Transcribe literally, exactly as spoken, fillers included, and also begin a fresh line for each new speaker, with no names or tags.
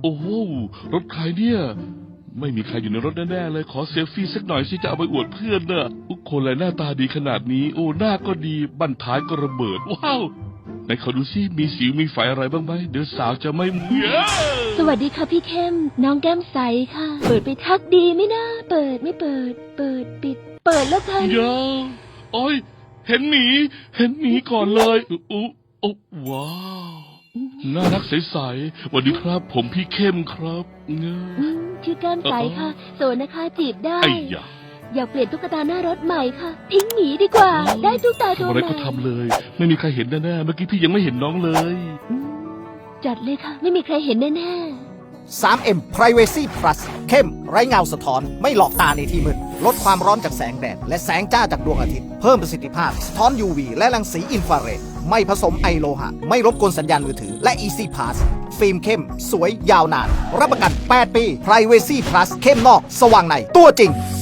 โอ้โหรถใครเนี่ยไม่มีใครอยู่ในรถแน่ๆเลยขอเซลฟี่สักหน่อยสิจะเอาไปอวดเพื่อนน่ะทุกคนเลยหน้าตาดีขนาดนี้โอ้หน้าก็ดีบั้นท้ายก็ระเบิดว้าวไหนขอดูสิมีสิวมีไฝอะไรบ้างไหมเดี๋ยวสาวจะไม่เมื่อ
สวัสดีค่ะพี่เข้มน้องแก้มใสค่ะ เปิดไปทักดีไหมนะเปิดไม่เปิด เปิดปิด เปิดแล้วกัน
เดี๋ยวโอ้ยเห็นหมีเห็นหมีก่อนเลยอุ๊โอ้ว้าวน่ารักใสๆสวัสดีครับ ผมพี่เข้มครับเง
อืมชื่อแก้มใสค่ะโสดนะคะจีบได้
ไอ้ยา
อยากเปลี่ยนตุ๊กตาหน้ารถใหม่ค่ะ ทิ้งหมีดีกว่า ได้ตุ๊กตาตัว
ทำ
ให
อะไร
ม่
ก็ทำเลย ไม่มีใครเห็นแน่ๆเมื่อกี้พี่ยังไม่เห็นน้องเลย
อืมจัดเลยค่ะ ไม่มีใครเห็นแน่
ทรี เอ็ม Privacy Plus เข้มไร้เงาสะท้อนไม่หลอกตาในที่มืดลดความร้อนจากแสงแดดและแสงจ้าจากดวงอาทิตย์เพิ่มประสิทธิภาพสะท้อน ยู วี และรังสีอินฟราเรดไม่ผสมไอโลหะ ไม่รบกวนสัญญาณมือถือและ Easy Pass ฟิล์มเข้ม สวยยาวนาน รับประกัน แปด ปี Privacy Plus เข้มนอก สว่างในตัวจริง